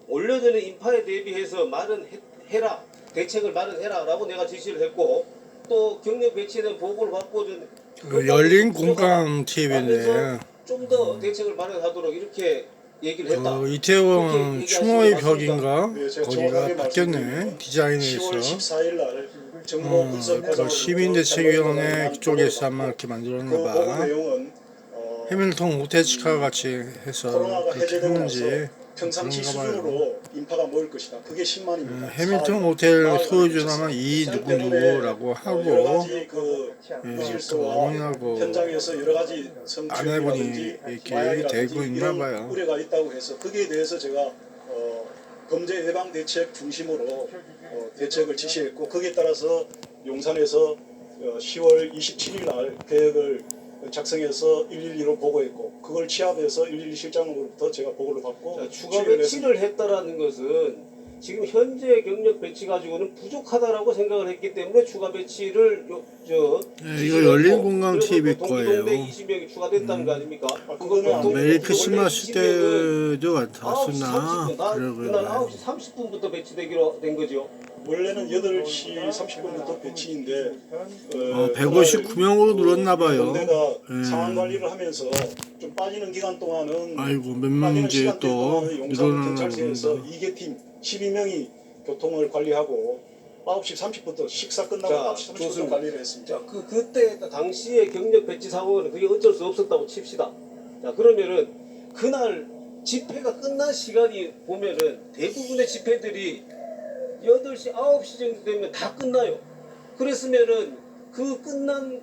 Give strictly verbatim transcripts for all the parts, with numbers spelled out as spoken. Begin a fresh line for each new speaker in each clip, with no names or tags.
올려드는 인파에 대비해서 마련해라, 대책을 마련해라라고 내가 지시를 했고, 또 경력 배치된 보고를 받고 좀
그 열린 공감 티비네.
좀 더 대책을 마련하도록 이렇게 얘기를 했다.
그 이태원 추모의 벽인가?
네, 제가
거기가
정확하게
바뀌었네.
말씀드리면
디자인에서.
시월 십사일 날 정보
어,
분석
그
과정으로부터
시민대책위원회
그
쪽에서 아마 이렇게 만들었나
보고
봐.
내용은 어,
해밀턴 호텔치카 같이 해서
코로나가
그렇게
해제되고
했는지
나서 평상시
그런가 봐요.
수준으로 인파가 모일 것이다. 그게
음,
십만입니다.
해밀턴 호텔 소유주는 이 누구 누구라고
여러
하고
가지 그
예, 그
무질서와
어머니하고
현장에서 여러 가지
아내분이
성추행이라든지
이렇게
마약이라든지
되고 있나
이런
봐요.
우려가 있다고 해서 거기에 대해서 제가 어, 범죄 예방 대책 중심으로 어, 대책을 지시했고 거기에 따라서 용산에서 어, 시월 이십칠일 날 계획을 작성해서 일일이로 보고했고 그걸 취합해서 일일이 실장으로부터 제가 보고를 받고
자, 추가
추진을
배치를 했다라는 것은 지금 현재 경력 배치 가지고는 부족하다라고 생각을 했기 때문에 추가 배치를 요, 저
예, 이거 열린 공감 티비 거예요.
동대 이십 명이 추가됐다는 거 아닙니까?
아, 그거는
보통
메리
원래
크리스마스
이십 명은
때도
아홉 시
왔었나?
삼십 분, 나- 그날 아홉 시
그러고요.
삼십 분부터 배치되기로 된 거죠.
원래는 여덟 시 삼십 분부터 배치인데
어, 백오십구 명으로 늘었나 봐요.
내가
예.
상황 관리를 하면서 좀 빠지는 기간 동안은
아이고 몇
빠지는
명 이제
시간대
또
동안은 용산
늘어나나
경찰서에서
본다.
이 개 팀 십이 명이 교통을 관리하고 아홉 시 삼십 분부터 식사 끝나고
자,
아홉 시 삼십 분부터
좋습니다.
관리를 했습니다.
자, 그 그때 당시에 경력 배치 상황은 그게 어쩔 수 없었다고 칩시다. 자, 그러면은 그날 집회가 끝난 시간이 보면은 대부분의 집회들이 여덟 시, 아홉 시 정도 되면 다 끝나요. 그랬으면은 그 끝난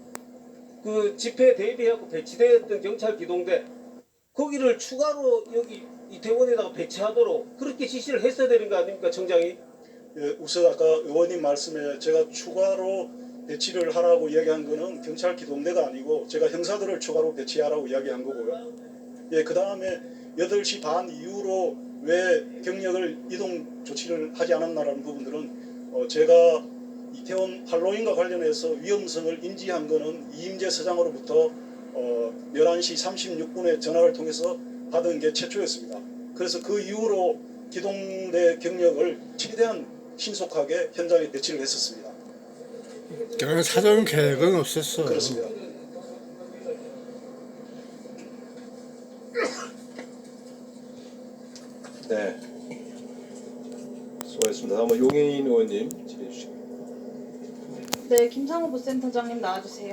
그 집회에 대비하고 배치되었던 경찰 기동대 거기를 추가로 여기 이태원에다가 배치하도록 그렇게 지시를 했어야 되는 거 아닙니까, 청장이?
예, 우선 아까 의원님 말씀에 제가 추가로 배치를 하라고 이야기한 거는 경찰 기동대가 아니고 제가 형사들을 추가로 배치하라고 이야기한 거고요. 예, 그 다음에 여덟 시 반 이후로 왜 경력을 이동 조치를 하지 않았나라는 부분들은 어, 제가 이태원 할로윈과 관련해서 위험성을 인지한 거는 이임재 서장으로부터 어, 열한 시 삼십육 분에 전화를 통해서 받은 게 최초였습니다. 그래서 그 이후로 기동대 경력을 최대한 신속하게 현장에 배치를 했었습니다.
그런 사전 계획은 없었어.
그렇습니다.
네. 수고하셨습니다. 다음은 용인 의원님 질의해 주시죠.
네, 김상호 부센터장님 나와주세요.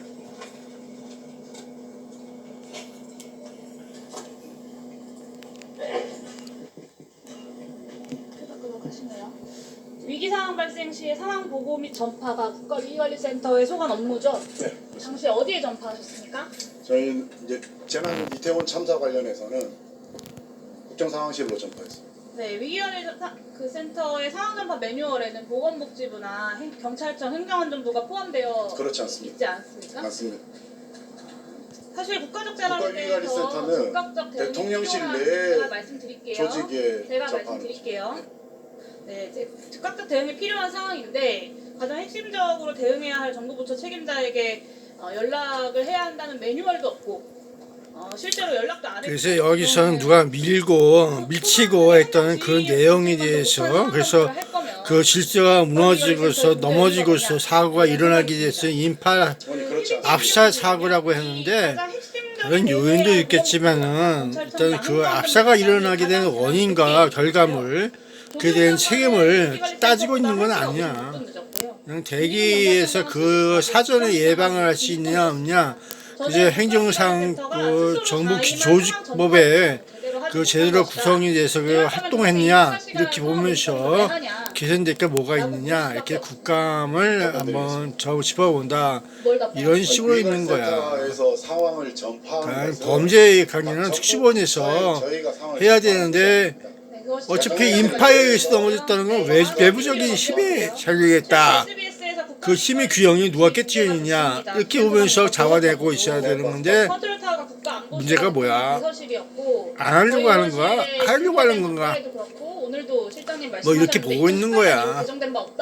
끄덕끄덕하시네요. 위기 상황 발생 시에 상황 보고 및 전파가 국가위기관리센터의 소관 업무죠?
네.
당시 어디에 전파하셨습니까?
저희는 이제 재난 이태원 참사 관련해서는 국정상황실로 전파했습니다.
네, 위기관리 사- 그 센터의 상황 전파 매뉴얼에는 보건복지부나 행- 경찰청, 행정안전부가 포함되어
그렇지 않습니다.
있지 않습니까?
맞습니다.
사실 국가적 재난에 대해서
국가위기관리센터는
즉각적 대응이
대통령실
필요한
내에
제가 말씀드릴게요.
조직에
제가
접하는
말씀드릴게요. 네, 이제 즉각적 대응이 필요한 상황인데 가장 핵심적으로 대응해야 할 정부 부처 책임자에게 어, 연락을 해야 한다는 매뉴얼도 없고 어, 실제로 연락도 안 했고
그래서 여기서는 누가 밀고 밀치고 했다는 그런 내용에 대해서 그래서 그 질서가 무너지고서 넘어지고서 사고가 일어나게 돼서 인파
아니 그렇지 않습니다.
압사 사고라고 했는데
가장 핵심적인
다른 요인도 있겠지만은 일단 그 압사가 일어나게 된 원인과 결과물 그에 대한 책임을 따지고 있는 건 아니야. 그냥 대기에서 그 사전에 예방을 할 수 있느냐 없느냐 그제 행정상 그 정부 기- 조직법에 그 제대로 구성이 돼서 그 활동했느냐 이렇게 보면서 개선될 게 뭐가 있느냐 이렇게 국감을 한번 저 짚어본다 이런 식으로 있는 거야.
센터에서 상황을 전파하는
그러니까
것은
범죄 강의는 특수본에서
저희가 상황을
해야
전파하는
되는데 어차피 인파에 의해서 넘어졌다는 건 외, 외부적인 힘에 잘리겠다. 그 힘의 규형이 누가 깨뜨리느냐 이렇게 보면서 자화되고 있어야 되는 건데 문제가 뭐야? 안 하려고 하는 거야? 하려고 하는 건가? 뭐 이렇게 보고 있는 거야.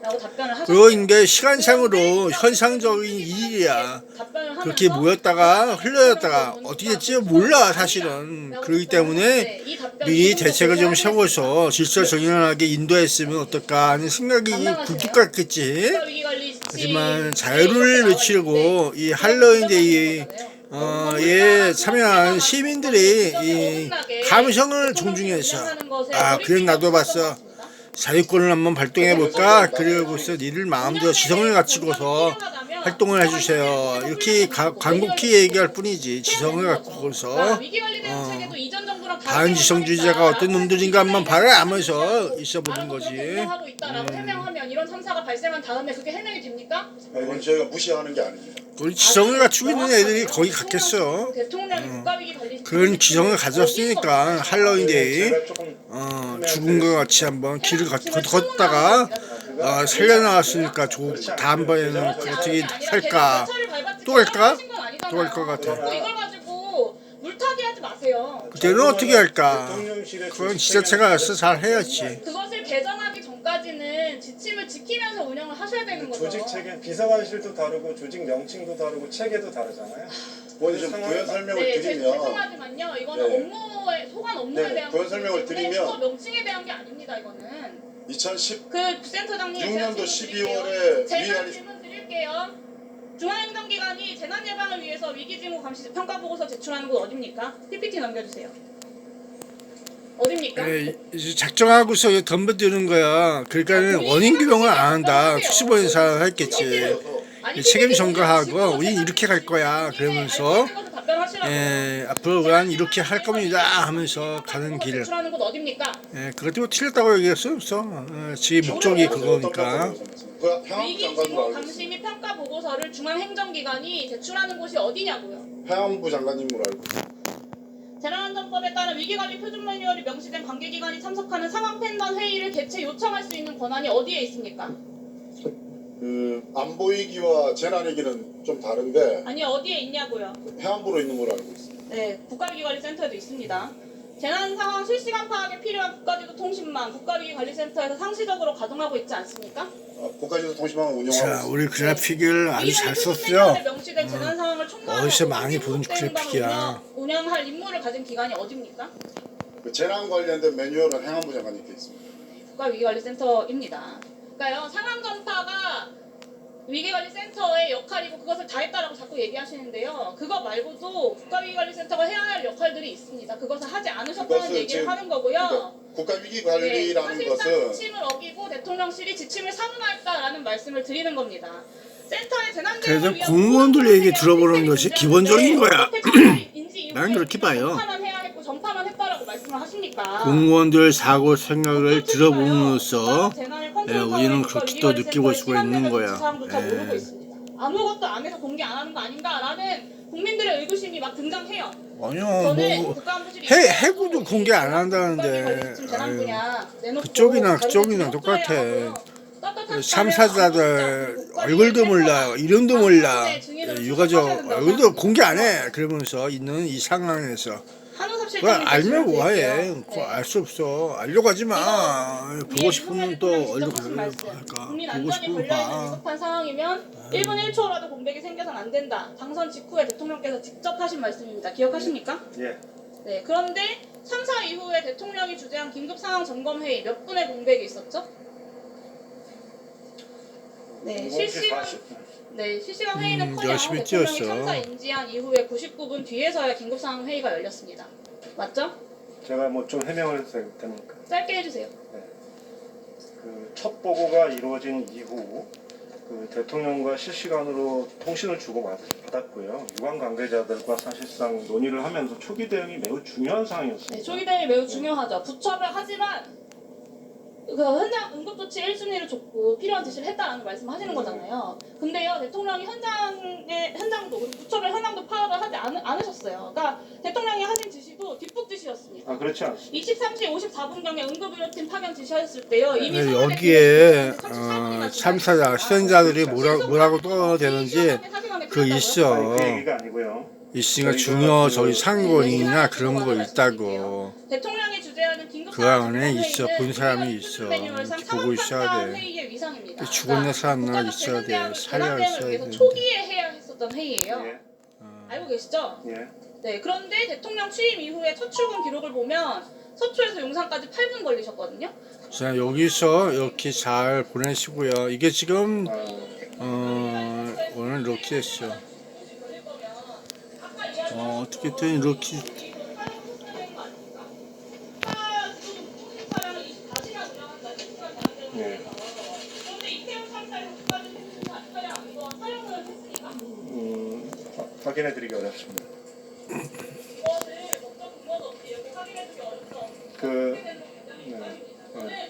라고 답변을 하셨어요.
그리고 이게 시간상으로 현상적인 일이야.
답변을
그렇게
하면서
모였다가 흘러졌다가 어떻게 될지 몰라 사실은. 그렇기 때문에 미리 대책을 좀 세워서 질서 정연하게 인도했으면 어떨까 하는 생각이 굴뚝 같겠지. 하지만 자유를 외치려고 이 할로윈데이에 어, 예, 참여한 시민들이 이 감성을 존중해서 아 그래 나도 봤어 자유권을 한번 발동해볼까 그리고서 니들 마음대로 지성을 갖추고서 활동을 해주세요 이렇게 가, 간곡히 얘기할 뿐이지 지성을 갖고서 어, 반지성주의자가 어떤 놈들인가 한번 봐라 하면서 있어보는 거지.
하고 있다라고 해명하면 이런 참사가 발생한 다음에 그게 해명이 됩니까?
이건 저희가 무시하는 게 아닙니다.
우리 지성을 갖추고 있는 애들이 거기 갔겠어.
대통령이 국가위기 관리
그런 지성을 가졌으니까 할로윈데이 어, 죽은 것 같이 한번 길을 걷, 걷, 걷다가 어, 살려나왔으니까 조, 다음번에는 어떻게 살까 또 갈까? 또 갈 것 같아.
이걸 가지고 물타기 하지 마세요.
그때는 어떻게 할까?
대통령실의
그건
조직
지자체가
책임은
알아서 잘 해야지.
그것을 개정하기 전까지는 지침을 지키면서 운영을 하셔야 되는 거죠.
조직 체계 비서관실도 다르고 조직 명칭도 다르고 체계도 다르잖아요.
의원님 좀 부연 설명을
네, 제-
드리면
죄송하지만요. 이거는
네.
업무에 소관 업무에
네,
대한
그런
거기
설명을
때문에
드리면
그거 명칭에 대한 게 아닙니다. 이거는
이천십육
그 센터장님 제가
년도
질문
십이월에
드릴게요. 제가
위안이
질문 드릴게요. 중앙행정기관이 재난 예방을 위해서 위기징후 감시 평가 보고서 제출하는 곳 어딥니까? 피피티 넘겨주세요. 어딥니까?
예, 이제 작정하고서 덤벼드는 거야. 그러니까 원인 규명을 안 한다. 특수본사 했겠지.
아니,
책임
피피티
전가하고
보시고
우린 이렇게 갈 거야. 그러면서
알고 있는 것을 답변하시라고요.
예, 앞으로 우린 이렇게 할 겁니다 하면서 가는 길.
제출하는 곳 어딥니까?
예, 그것도 뭐 틀렸다고 얘기할 수 없어. 어, 지 목적이 그거니까.
그 향후 장관으로
위기징후
알고
감시
있습니다.
및 평가 보고서를 중앙행정기관이 제출하는 곳이 어디냐고요?
해양부 장관님으로 알고 있습니다.
재난안전법에 따른 위기관리 표준 매뉴얼이 명시된 관계기관이 참석하는 상황 판단 회의를 개최 요청할 수 있는 권한이 어디에 있습니까?
그 안보위기와 재난위기는 좀 다른데
아니 어디에 있냐고요?
해안부로 있는 걸로 알고 있습니다.
네, 국가위기관리센터에도 있습니다. 재난 상황 실시간 파악에 필요한 국가지도 통신망 국가위기관리센터에서 상시적으로 가동하고 있지 않습니까?
아, 국가지도 통신망을 운영하고
자,
있습니다.
우리 그래픽을 아주 잘
위기관리 표준
썼어요.
매뉴얼에 명시된 재난 상황을 총괄하고
어디서 많이
위기
본
구속 대응방을
그래픽이야.
운영, 운영할 임무를 가진 기관이 어디입니까?
그 재난 관련된 매뉴얼은 해양부 장관님께 있습니다.
국가위기관리센터입니다. 그러니까요 상황 전파가 위기관리센터의 역할이고 그것을 다 했다라고 자꾸 얘기하시는데요. 그거 말고도 국가위기관리센터가 해야 할 역할들이 있습니다. 그것을 하지 않으셨다는
그것을
얘기를
지금
하는 거고요.
그러니까 국가위기관리라는
네,
것은
사실상 지침을 어기고 대통령실이 지침을 사문화했다라는 말씀을 드리는 겁니다. 센터의 재난
그래도
대응을 위한
공무원들
모든
얘기 들어보는
시스템이
것이
존재하는데
기본적인 거야.
어떻게 인지 이후에
난 그렇게 봐요.
전파만 해야 했고 전파만 했다라고 말씀을 하십니까?
공무원들 사고 생각을 들어봄으로써 예, 우리는 그렇게 또 느끼고 수가 있는 거야.
조차 모르고
예.
있습니다. 아무것도 안 해서 공개 안 하는 거 아닌가라는 국민들의 의구심이 막 등장해요.
아니요,
저는
뭐
국가안보실이
해 해구도 공개 안 한다는데.
국가기관리 재난 분야 내놓고
그쪽이나
다른
그쪽이나
데서
똑같아.
협조해야 하고요. 떳떳한
참사자들
자료를
얼굴도 몰라, 이름도 몰라,
네, 증인으로
유가족
출석하셔야 된다고
얼굴도
생각합니다.
공개 안 해. 그러면서 있는 이 상황에서
한우섭
그걸
실장님
알면
말씀을
뭐해?
드릴게요.
그거
네.
알 수 없어. 알려고 하지 마. 보고 싶으면 또 얼른
하신 말씀.
할까?
국민
보고
안전이
싶으면
걸려있는
봐.
위급한 상황이면 일 분 일 초라도 공백이 생겨서는 안 된다. 당선 직후에 대통령께서 직접 하신 말씀입니다. 기억하십니까?
예.
네. 그런데 참사 이후에 대통령이 주재한 긴급 상황 점검 회의 몇 분의 공백이 있었죠? 네, 실시간 네, 실시간 회의는
음,
커녕
열심히
대통령이
뛰었어.
참사 인지한 이후에 구십구 분 뒤에서야 긴급 상황 회의가 열렸습니다. 맞죠?
제가 뭐 좀 해명을 해도 됩니까?
짧게 해주세요.
그 첫 보고가 이루어진 이후 그 대통령과 실시간으로 통신을 주고 받았고요. 유관 관계자들과 사실상 논의를 하면서 초기 대응이 매우 중요한 상황이었습니다.
네, 초기 대응이 매우 중요하죠. 부처를 하지만 그 현장 응급조치 일 순위를 줬고 필요한 지시를 했다라는 말씀을 하시는 거잖아요. 근데요 대통령이 현장에 현장도 그리고 부처별 현황도 파악을 하지 않, 않으셨어요. 그러니까 대통령이 하신 지시도 뒷북 지시였습니다.
아 그렇지 않습니다.
이십삼 시 오십사 분경에 응급의료팀 파견 지시하셨을 때요. 이미
네,
상황에
여기에
대응해서
어,
삼십사 분이나
참사자
지나갔습니다.
시연자들이 뭐라 뭐라고 떠되는지
사실관계
그
틀렸다고요?
있어.
아니, 그 얘기가 아니고요.
있으니까 중요 저기 상권이나 그런 거 있다고.
대통령이 주재하는 긴급
그 안에 있어. 본 사람이 있어. 보고 있어야 돼.
회의의 위상입니다. 겁니다.
죽었네 살았나
국가적
있어야 돼.
재난
살려야
대응을
있어야
위해서
돼.
초기에 해야 했었던 회의예요.
예.
알고 계시죠?
예.
네. 그런데 대통령 취임 이후에 첫 출근 기록을 보면 서초에서 용산까지 팔 분 걸리셨거든요.
자 여기서 이렇게 잘 보내시고요. 이게 지금
아,
어, 오늘 이렇게 했어. 어, 어떻게든 이렇게
예. 음, 화- 확인해드리기 어렵습니다. 그 네. 네.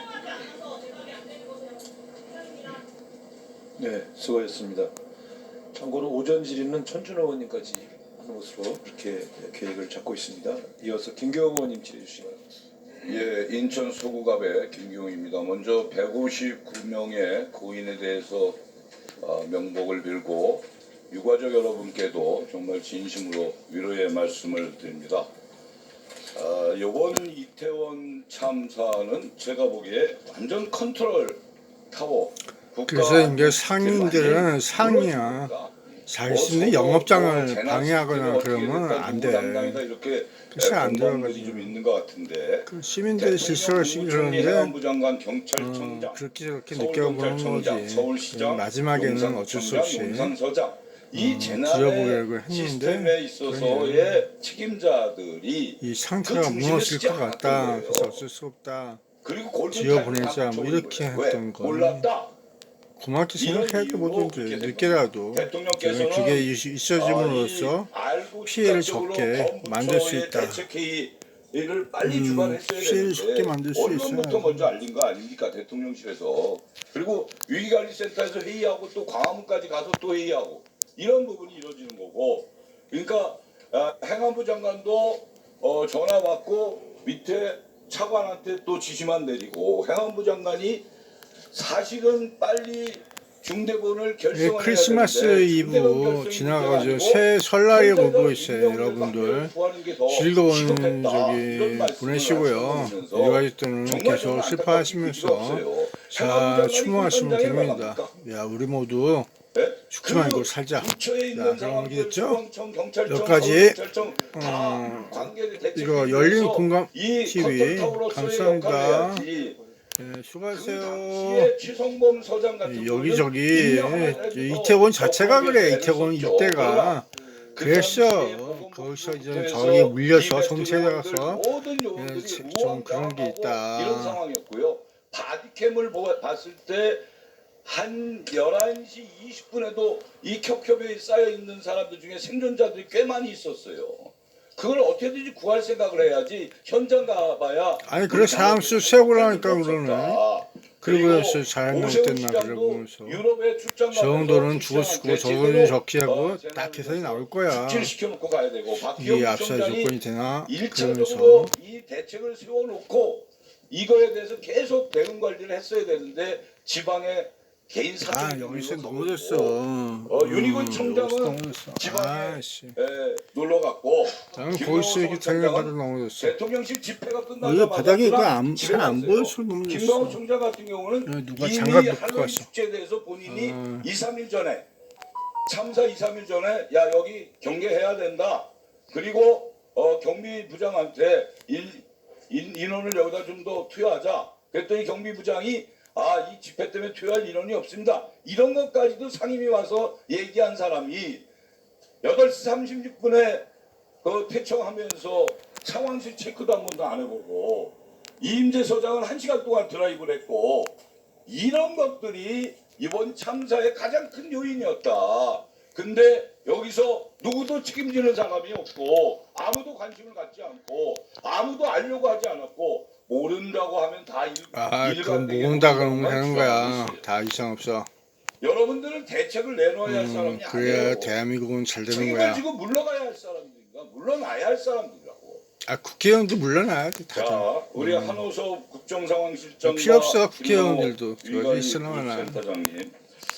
네, 수고하셨습니다. 참고로 오전 질의는 천준호 의원님까지 하는 것으로 그렇게 계획을 잡고 있습니다. 이어서 김경호 의원님 질의해 주시기 바랍니다.
예, 인천 서구갑의 김경우입니다. 먼저 백오십구 명의 고인에 대해서 어, 명복을 빌고 유가족 여러분께도 정말 진심으로 위로의 말씀을 드립니다. 아, 이번 이태원 참사는 제가 보기에 완전 컨트롤 타워.
그래서 이제 상인들은 상이야. 자신의 영업장을 방해하거나 그러면 안 돼.
이렇게
글쎄 안
공방들이 좀
들어가지고.
있는 것 같은데.
그 시민들이 실수를 시기 그러는데
해안부 장관,
어,
경찰청장,
그렇게 저렇게 느껴보는
서울경찰청장,
거지.
서울시장,
마지막에는 어쩔 수 없이
용산서장 이
어,
재난의
줄여보려고 했는데
시스템에 있어서의 책임자들이
이 상태가
그 중심에
무너질
서지
것 같다.
않았던
그래서
거예요.
어쩔 수 없다.
그리고 골든
지어보내자,
타임을
뭐
다
이렇게
붙여버린 거예요.
했던
왜?
거는
몰랐다.
고맙게
이런
생각해야 돼
이유로
뭐든지
그렇게 된
늦게라도
대통령께서는
그게 있어짐으로써
아, 이 알고
피해를
즉각적으로
적게
범부처의
만들 수 있다.
대책회의를 빨리
음,
주관했어야
피해를
되는데
적게 만들 수
언론부터
있어요.
먼저 알린 거 아닙니까 대통령실에서. 그리고 위기관리센터에서 회의하고 또 광화문까지 가서 또 회의하고 이런 부분이 이루어지는 거고. 그러니까 아, 행안부 장관도 어, 전화 받고 밑에 차관한테 또 지시만 내리고 행안부 장관이 사실은 빨리 중대본을
예,
결성을
크리스마스
해야 되는데
이브
중대본 결성이
지나가죠.
문제가
새
아니고
설날에
현장에서
보고 있어요,
임명을
여러분들.
구하는 게더
즐거운
시급했다. 이런
저기
말씀을
보내시고요.
하시면서
일가족들은
정말
계속
정말
슬퍼하시면서
안타깝고
잘
행안부
추모하시면
장관이
됩니다.
현장에
야, 우리 모두
네?
죽지 말고 살자.
부처에
자,
있는
그럼
상황들,
알겠죠?
소방청, 경찰청,
여기까지,
서울경찰청 다
어,
관계를 대책에
이거 열린
위해서
공감
이
티비
컨트롤타워로서의
감사합니다.
역할을 해야지.
예,
그
수고하세요.
당시에 최성범 서장 같은
여기저기
분은 임명을
이태원 자체가
해서
그래.
애를
이태원
썼죠.
일대가
그
그랬어.
당시에 보건복지부에서
거기서 이제 저기 물려서
이
정체에
대통령들
가서
모든 요원들이
예, 좀
우왕좌왕하고
그런 게 있다.
이런 상황이었고요. 바디캠을 보- 봤을 때 한 열한 시 이십 분에도 이 겹겹이 쌓여 있는 사람들 중에 생존자들이 꽤 많이 있었어요. 그걸 어떻게든지 구할 생각을 해야지 현장 가봐야
아니 그래 상수 세우라니까
없었다.
그러네. 그리고 그래서 잘못됐나 그러면서
유럽에 출장
저 정도는 죽었고 저 정도는 적게 하고
어,
딱 계산이 나올 거야.
시켜놓고 가야 되고
이게
박기영
압사
부총장이
조건이 되나?
일차적으로
그러면서
이 대책을 세워놓고 이거에 대해서 계속 대응 관리를 했어야 되는데 지방에 개인 사적
아 여기서 넘어졌어.
어, 윤희근 청장은
넘어졌어.
지방에
아씨.
에, 놀러 갔고
나는
김경호
거기서 이렇게
청장은
당연하다 넘어졌어.
대통령실 집회가
여기
끝나자마자
바닥에 이거
그냥
안-
집에
잘안
갔어요.
보여서 넘어졌어.
김경호 총장 같은 경우는
야, 누가
이미
장갑 놓고
할로윈
갔어.
축제에 대해서 본인이
어.
이, 삼 일 전에 참사 이, 삼 일 전에 야 여기 경계해야 된다. 그리고 어, 경비부장한테 일, 인, 인원을 여기다 좀 더 투여하자. 그랬더니 경비부장이 아, 이 집회 때문에 투여할 인원이 없습니다. 이런 것까지도 상임위 와서 얘기한 사람이 여덟 시 삼십육 분에 그 퇴청하면서 상황실 체크도 한 번도 안 해보고 이임재 서장은 한 시간 동안 드라이브를 했고 이런 것들이 이번 참사의 가장 큰 요인이었다. 근데 여기서 누구도 책임지는 사람이 없고 아무도 관심을 갖지 않고 아무도 알려고 하지 않았고 모른다고 하면 다 일,
아 그건
일관되게
모은다
모르는
그러면
것만
되는
주장하고
거야.
있어요.
다 이상 없어.
여러분들은 대책을 내놓아야 할
음,
사람이
그래야
아니에요.
대한민국은 잘 되는
책임을
거야.
지고 물러가야 할 사람들인가? 물러나야 할 사람들이라고.
아 국회의원도 물러나야 돼. 다들.
자, 우리 한호섭 국정상황실장과
필요 없어,
김영호
국회의원들도.
위관리
저기 있으나
센터장님,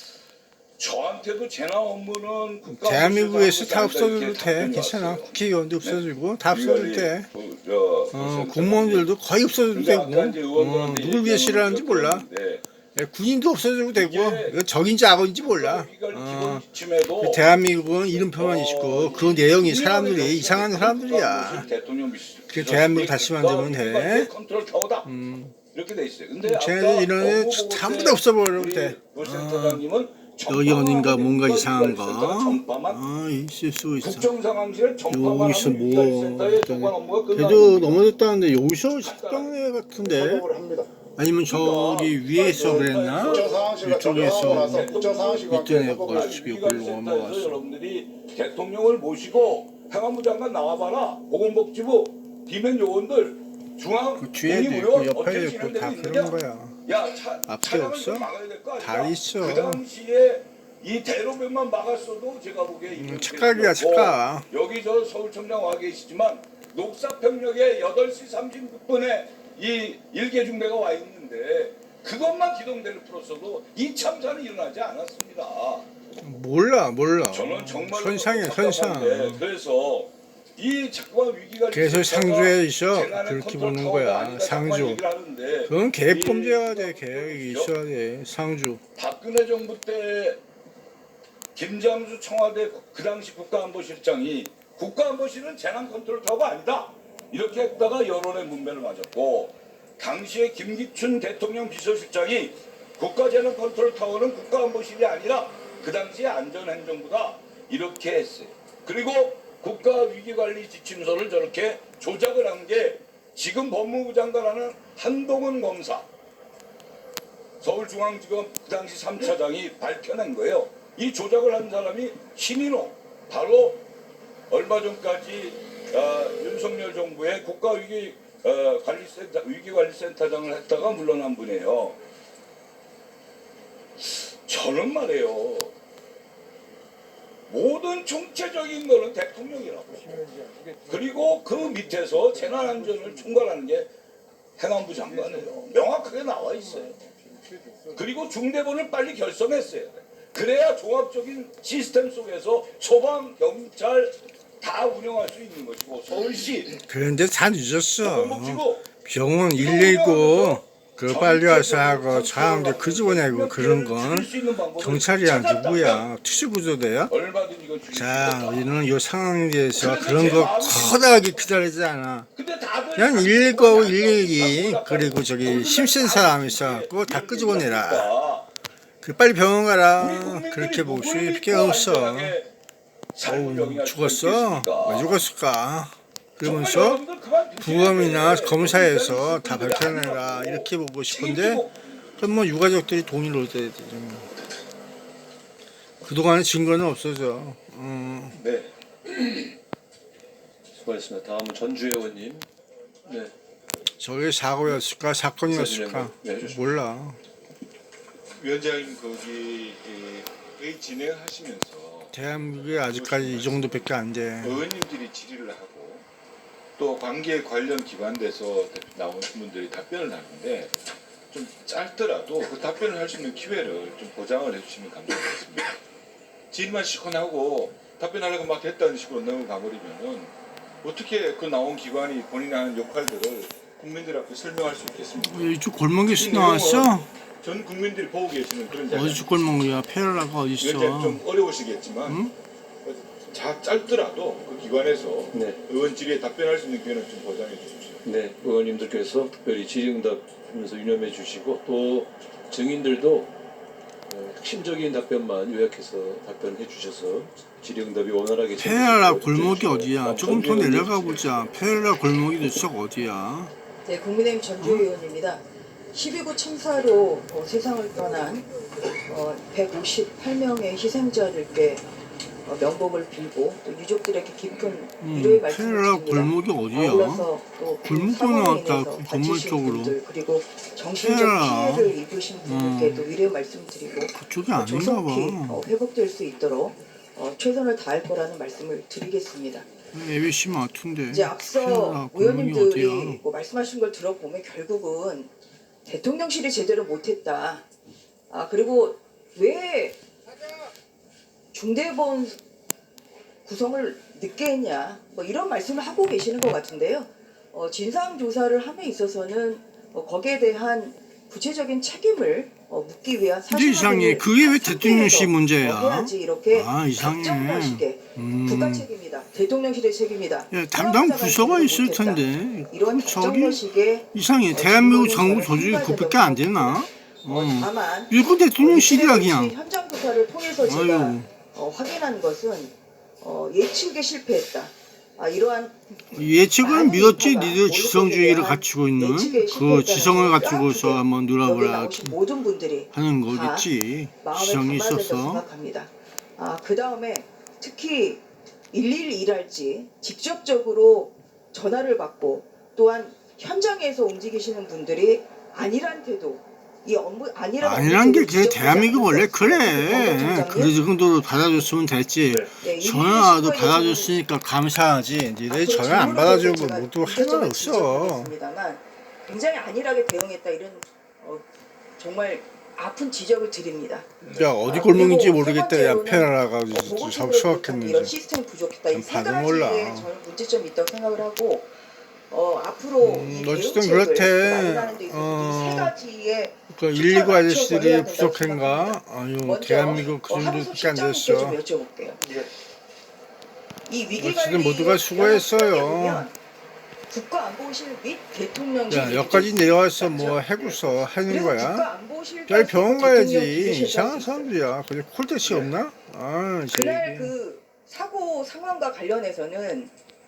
저한테도 재난 업무는 국가
대한민국에서 다
없애서
없어져도
이렇게
돼.
답변이
괜찮아.
왔어요.
국회의원도 없어지고 다 없어져도
위관리
돼.
그, 저, 그
어,
센터장님.
공무원들도 거의 없어져도
근데
되고.
아까 이제 의원들한테
어, 누굴 위해
얘기한
싫어하는지 몰라.
것들인데
예, 군인도 없어져도 되고
이게
이거 적인지 악어인지 몰라.
위기관리
어,
기본 지침에도
대한민국은 이름표만
어,
있고 그 내용이
국민의힘
사람들이
정치인이
이상한 사람들이야.
대통령 비서-
그 대한민국 다시 만들면 돼.
위기관리 컨트롤 타워다.
음,
이렇게 돼 있어요. 근데
쟤네들
아까
이런 애
법무부
전부
때
다 없어버리면
우리
돼.
노 센터장님은
여기 어딘가 뭔가
전파만
이상한 거.
위기관리센터는 전파만
아, 있을 수 있어.
국정상황실 전파만
여기서
하는
뭐
위기관리센터의 조관 업무가 끝나는
걔도
겁니다.
넘어졌다는데 여기서 식당내 같은데
작업을 합니다.
아니면 저기 위에서 그랬나?
국정상황실과 작업하고 나서
이쪽에서
국정상황실과 함께
밑에
회복을
거
하십시오.
지금
위기관리센터에서
넘어갔어.
여러분들이 대통령을 모시고 행안부 장관 나와봐라. 보건복지부 비면 요원들 중앙
그 뒤에도
공익의원
있고 옆에도
어떻게
있고 다
진행되고
그런
있느냐?
거야.
야, 차,
앞에
차량을
없어?
좀 막아야 될 거 아니야?
다 있어.
그 당시에 이 대로변만 막았어도 제가 보기에
음, 착각이야, 착각.
여기 저 서울청장 와 계시지만 녹사평역에 여덟 시 삼십육 분에 이 일개 중대가 와 있는데 그것만 기동대를 풀었어도 이 참사는 일어나지 않았습니다.
몰라 몰라.
저는 정말
선상이야 선상.
그래서 이 자꾸만 위기가
그래서 상주에 있어. 그렇게 보는 거야. 상주. 그건 계획범죄가 돼. 계획이 있어야 돼. 상주.
박근혜 정부 때 김장수 청와대 그 당시 국가안보실장이 국가안보실은 재난 컨트롤 타워가 아니다 이렇게 했다가 여론의 문매를 맞았고, 당시에 김기춘 대통령 비서실장이 국가재난 컨트롤 타워는 국가안보실이 아니라 그 당시에 안전행정부다 이렇게 했어요. 그리고 국가위기관리 지침서를 저렇게 조작을 한 게 지금 법무부 장관하는 한동훈 검사, 서울중앙지검 그 당시 삼 차장이 밝혀낸 거예요. 이 조작을 한 사람이 신인호, 바로 얼마 전까지 어, 윤석열 정부의 국가위기 어, 관리센터, 위기관리센터장을 했다가 물러난 분이에요. 저는 말이에요, 모든 총체적인 거는 대통령이라고. 그리고 그 밑에서 재난안전을 총괄하는 게 행안부 장관이에요. 명확하게 나와 있어요. 그리고 중대본을 빨리 결성했어요. 그래야 종합적인 시스템 속에서 소방, 경찰 다 운영할 수 있는 것이고, 서울시
그런데 다 늦었어.
보건복지부
병원 일일구 그 빨리 와서 하고 사람들 그 집어내고 그런 건 경찰이야 누구야? 특수구조대야?
얼마든지 이거 줄일
자,
수 있다.
우리는 이 상황에 대해서 그런 거 커다랗게 기다리지 않아.
근데 다들
그냥 일일구하고 일일이 그리고 저기 심센 사람 있어갖고 다 끄집어내라. 그 빨리 병원 가라. 그렇게 볼 수밖에 없어. 어우, 죽었어? 왜 죽었을까? 그러면서 부검이나 검사에서 다 밝혀내라 이렇게 보고 싶은데 그럼 뭐 유가족들이 동의를 얻어야 되죠. 그동안의 증거는 없어져. 음.
네. 수고하셨습니다. 다음은 전주혜 의원님. 네.
저게 사고였을까 사건이었을까
네, 해주십시오.
몰라.
위원장님 거기의 진행하시면서
대한민국에 아직까지 이 정도밖에 안 돼.
의원님들이 질의를 하고 또 관계 관련 기관에서 나온 분들이 답변을 하는데 좀 짧더라도 그 답변을 할 수 있는 기회를 좀 보장을 해주시면 감사하겠습니다. 질의만 시커하고 답변하려고 막 됐다는 식으로 넘어가버리면은 어떻게 그 나온 기관이 본인이 하는 역할들을 국민들 앞에 설명할 수 있겠습니까?
이쪽 골목에서 나왔어?
전 국민들이 보고 계시는 그런 자리.
어디서 골목이야? 페라가
위원장님
어딨어?
좀 어려우시겠지만
응?
자 짧더라도 그 기관에서
네.
의원 질의에 답변할 수 있는 기회는 좀 보장해 주십시오.
네, 의원님들께서 특별히 질의응답하면서 유념해 주시고 또 증인들도 어, 핵심적인 답변만 요약해서 답변해 주셔서 질의응답이 원활하게
페라
진행되도록
골목이
해주시고,
어디야?
다음
조금 더
전주 의원님
내려가 보자. 페라 골목이 도대체 어디야?
네, 국민의힘 전주 의원입니다. 십이 구 참사로 어, 세상을 떠난 어, 백오십팔 명의 희생자들께 어, 명복을 빌고 또 유족들에게 깊은 위로의
음,
말씀을
페라
드립니다.
골목이 어디야?
아울러서 또
골목도
사고로
나왔다,
인해서
그 건물
다치신
쪽으로.
분들 그리고 정신적
페라.
피해를 입으신 분들께도 위로의 말씀드리고
그쪽이
어,
아닌가
조속히
봐.
어, 회복될 수 있도록 어, 최선을 다할 거라는 말씀을 드리겠습니다.
에비씨 마트인데.
이제 앞서
페라 골목이
의원님들이
어디야?
뭐 말씀하신 걸 들어보면 결국은 대통령실이 제대로 못했다. 아 그리고 왜 중대본 구성을 늦게 했냐. 뭐 이런 말씀을 하고 계시는 것 같은데요. 어, 진상 조사를 함에 있어서는 어, 거기에 대한 구체적인 책임을 어, 묻기 위한
근데 이상해.
사실을
그게 왜 대통령실 문제야?
어, 해야지 이렇게
아, 이상해.
확정하시게
음.
국가 책임이다. 대통령실의 책임이다.
야, 담당 부서가 있을
못했다.
텐데.
이런
저기
국정식의
이상해.
어,
대한민국
증거는
정부
저는
조직이
한
그것밖에
가지가
안 되나?
어,
어.
다만
일본 대통령실이야
어,
그냥.
현장 조사를 통해서 제가
아유.
어, 확인한 것은 어, 예측에 실패했다. 아, 이러한
예측은
많은
믿었지.
인파가
니들 지성주의를
대한
갖추고 있는
예측에
그
실패했다는
지성을
걸
갖추고서
뼈아프게
한번
여기
놀아보라
나오신 모든 분들이
하는
다
거겠지.
마음에
지성이
담아야 된다고
있었어.
생각합니다. 아, 그 다음에 특히 일일이랄지 직접적으로 전화를 받고 또한 현장에서 움직이시는 분들이 아니란 태도, 이 업무 아니란
아니란 게
업무
그래.
태도를
대한민국 원래
지적하지
그래.
않습니까?
그 정도로 받아줬으면 됐지.
네,
전화도
일일이
받아줬으니까 감사하지. 니네
앞으로
전화 안
질문을
받아주고
제가
뭐도 할 말
이것저것
없어.
지적하겠습니다만 굉장히 안일하게 대응했다 이런 어, 정말 아픈 지적을 드립니다.
야 어디
아,
골목인지
그리고
모르겠다.
세
야
번째로는
패라가지고
어, 보고
참
체계를 부족한 이런
수학했는지.
시스템 부족했다. 이
난
세
봐도
가지에
몰라.
저는 문제점이 있다고 생각을 하고 어, 앞으로
음,
이
어쨌든
대응책을
그렇대.
마련하는 데 있어서
어,
이세 가지의
그
숫자를
일일구
맞춰서 해야
아저씨들이
된다고
부족한가?
생각합니다.
아유
먼저
대한민국 그
어,
정도밖에
한우섭
안
실장님께 좀
됐어.
여쭤볼게요. 이 위기
어쨌든
관리
모두가 수고했어요.
국가안보실 및 대통령실
야 여기까지 내려와서 뭐 해고서 하는
그리고
거야?
국가안보실
야 병원 가야지.
대통령 비서실장
이상한
있습니다.
사람들이야. 그래 콜택시 없나? 아
그날
저기.
그 사고 상황과 관련해서는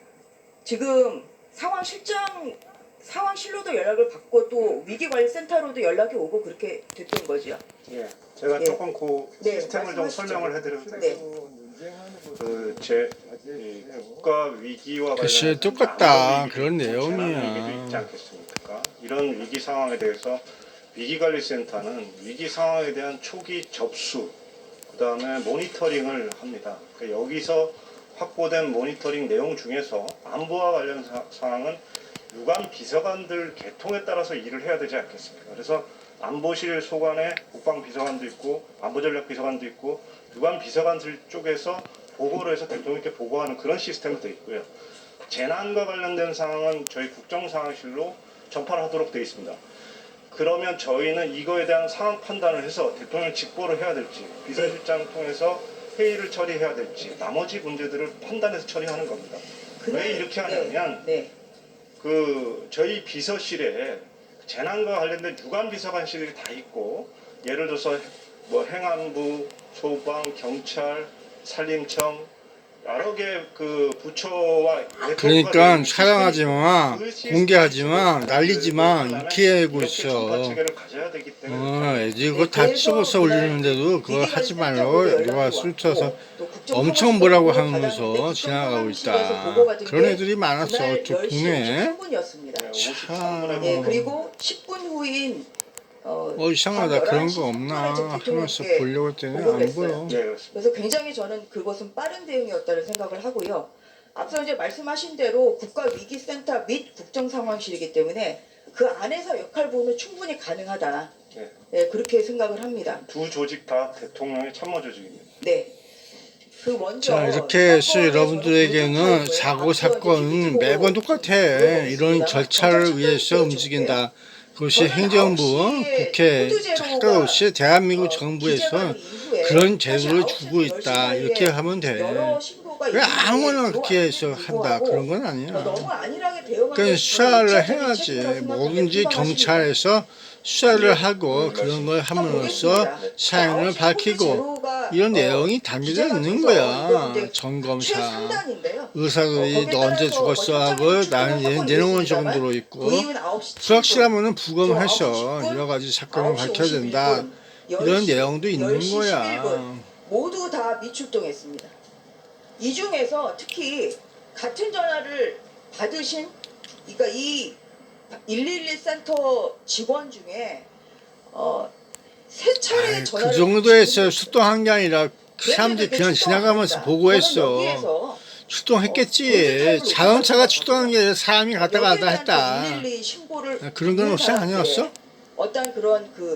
지금 상황실장 상황실로도 연락을 받고 또 위기관리센터로도 연락이 오고 그렇게 됐던 거죠.
예, 제가
예.
조금 그
네,
시스템을 좀
말씀하시죠.
설명을 해드려도
네.
될까요? 그제 국가 위기와
글쎄,
관련해서
똑같다.
안보 위기도
그런
있고
내용이야.
재난 위기도 있지 않겠습니까? 이런 위기 상황에 대해서 위기관리센터는 위기 상황에 대한 초기 접수, 그 다음에 모니터링을 합니다. 그러니까 여기서 확보된 모니터링 내용 중에서 안보와 관련 사, 사항은 유관 비서관들 계통에 따라서 일을 해야 되지 않겠습니까? 그래서 안보실 소관에 국방비서관도 있고 안보전략비서관도 있고 유관 비서관들 쪽에서 보고를 해서 대통령께 보고하는 그런 시스템도 있고요. 재난과 관련된 상황은 저희 국정상황실로 전파를 하도록 되어 있습니다. 그러면 저희는 이거에 대한 상황 판단을 해서 대통령 직보를 해야 될지 비서실장 통해서 회의를 처리해야 될지 나머지 문제들을 판단해서 처리하는 겁니다. 왜 이렇게 하냐면
네, 네.
그 저희 비서실에 재난과 관련된 유관 비서관실이 다 있고 예를 들어서 뭐 행안부, 소방, 경찰, 산림청 여러 개 그 부처와
그러니까 촬영하지 마, 공개하지 마, 날리지 마 이렇게 하고 있어. 어, 애들이 그거 다 찍어서 올리는데도 그거 하지 말고 누가 술 쳐서 엄청 뭐라고 하면서 지나가고 있다. 그런 애들이 많았어. 저 국내에. 참.
네, 그리고 십 분 후인 어,
어 이상하다. 그런 거 없나 하면서 보려고 했더니 안 보여.
그래서 굉장히 저는 그것은 빠른 대응이었다는 생각을 하고요. 앞서 이제 말씀하신 대로 국가위기센터 및 국정상황실이기 때문에 그 안에서 역할 보면 충분히 가능하다.
네.
네, 그렇게 생각을 합니다.
두 조직 다 대통령의 참모 조직입니다.
네. 그 먼저
자 이렇게 해서 여러분들에게는 사고 사건은 매번 똑같아. 이런 절차를 위해서 움직인다. 그것이 행정부, 국회, 상관없이 대한민국 정부에서 그런 제도를 주고 있다. 이렇게 하면 돼. 왜 아무나 그렇게 해서 한다. 그런 건 아니야. 그러니까 수사를 해야지. 뭐든지 경찰에서 수사를 하고 그런 걸 함으로써 사연을 밝히고 이런 내용이 담겨져 있는 거야. 점검사. 의사들이 너 언제 죽었어 하고 나는 내놓은 정도로 있고 불확실하면은 부검해서 여러 가지 사건을 밝혀야 된다. 이런 내용도 있는 거야.
모두 다 미출동했습니다. 이 중에서 특히 같은 전화를 받으신 그러니까 이 일일일 센터 직원 중에 어, 세 차례
아이,
전화를
그 정도에서 출동한 게 아니라 그 사람들이 그냥 지나가면서 보고했어. 출동했겠지. 자동차가 출동한 게 아니라 사람이 갔다 갔다 했다.
신고를
그런 건 혹시 아니었어?
어떤 그런 그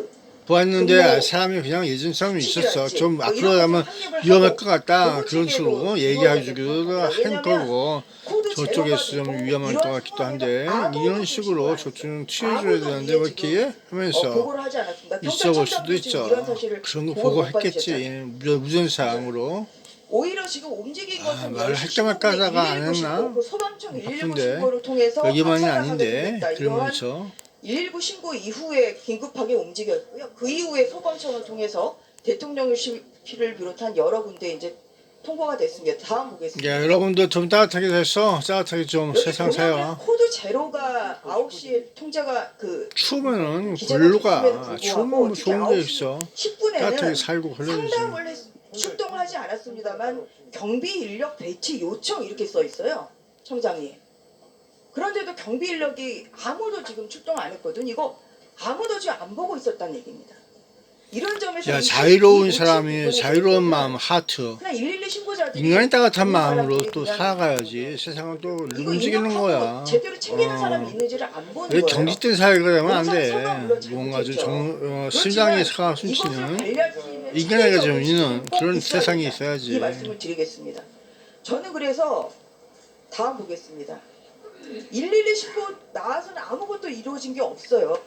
보았는데 사람이 그냥 예전처럼 있었어. 좀 앞으로 가면 위험할 것 같다. 그런 식으로 얘기해주기도 할 거고 저쪽에서 좀 위험할 것 같기도 한데 이런 식으로 저쪽은 취해줘야 되는데 왜 이렇게 하면서 있어 볼 수도 있죠. 그런 거 보고 했겠지. 무전사항으로.
오히려 지금 움직인 것은
아, 말을 할 때마다 하다가 안 했나?
소방청 일일구
바쁜데
신고를 통해서
여기만이
압사를
아닌데
하게 됐다.
그러면서
일일구 신고 이후에 긴급하게 움직였고요. 그 이후에 소방청을 통해서 대통령실을 비롯한 여러 군데 이제 통보가 됐습니다. 다음 보겠습니다.
야, 여러분도 좀 따뜻하게 됐어. 따뜻하게 좀
여기
세상
보면은
사요.
코드 제로가 아홉 시에 통제가 그
추우면은
기재가
골로
됐음에도
가.
불구하고
추우면
특히
좋은 게
아홉 시
있어.
십 분에는
따뜻하게 살고 그래야지.
상담을 했, 출동을 하지 않았습니다만 경비 인력 배치 요청 이렇게 써 있어요. 청장님. 그런데도 경비 인력이 아무도 지금 출동 안 했거든. 이거 아무도 지금 안 보고 있었다는 얘기입니다. 이런 점에서
야,
이-
자유로운
이
사람이
부분에
자유로운
대해서는
마음 하트.
그냥 일일이 신고자들이
인간이 따뜻한
그런
마음으로
사람들이
또
그냥
살아가야지. 세상은 또
이거
움직이는
인력하고
거야.
제대로 챙기는
어.
사람이 있는지를 안 보는
왜
거예요.
경직된 사회가 되면 안 돼.
공사처가 물론
뭔가 좀
잘못했죠.
정, 어,
그렇지만
심장에 차가
이것을
숨쉬는
관리하시는
인간에게 좀
책임이
있는
꼭
그런
있어야
세상이
된다.
있어야지.
이 말씀을 드리겠습니다. 저는 그래서 다음 보겠습니다. 일일이 신고 나와서는 아무것도 이루어진 게 없어요.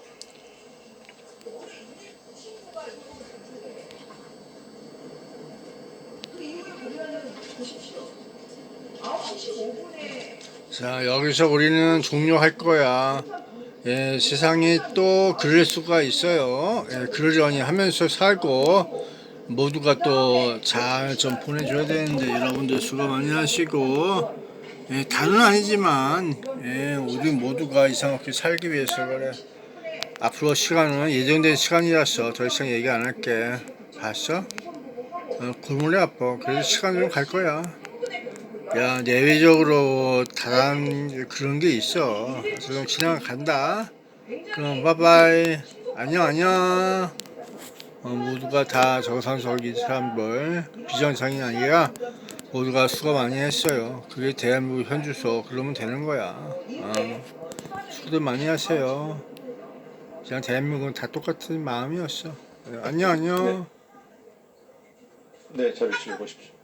그 이후에 보면은 보십시오. 아홉 시 십오 분에
자, 여기서 우리는 종료할 거야. 예, 세상이 또 그럴 수가 있어요. 예, 그러려니 하면서 살고 모두가 또 잘 좀 보내줘야 되는데 여러분들 수고 많이 하시고 예, 다는 아니지만 예, 우리 모두가 이상 없게 살기 위해서 그래. 앞으로 시간은 예정된 시간이라서 더 이상 얘기 안 할게. 봤어? 어, 골머리 아파. 그래서 시간 좀 갈 거야. 야, 내외적으로 다른 그런 게 있어. 그럼 지나간다. 그럼 바이바이. 안녕 안녕. 어, 모두가 다 정상적인 사람들, 비정상이 아니라 모두가 수고 많이 했어요. 그게 대한민국 현주소. 그러면 되는 거야. 어, 수고들 많이 하세요. 그냥 대한민국은 다 똑같은 마음이었어. 네, 안녕 안녕.
네, 자리 치워 보십시오.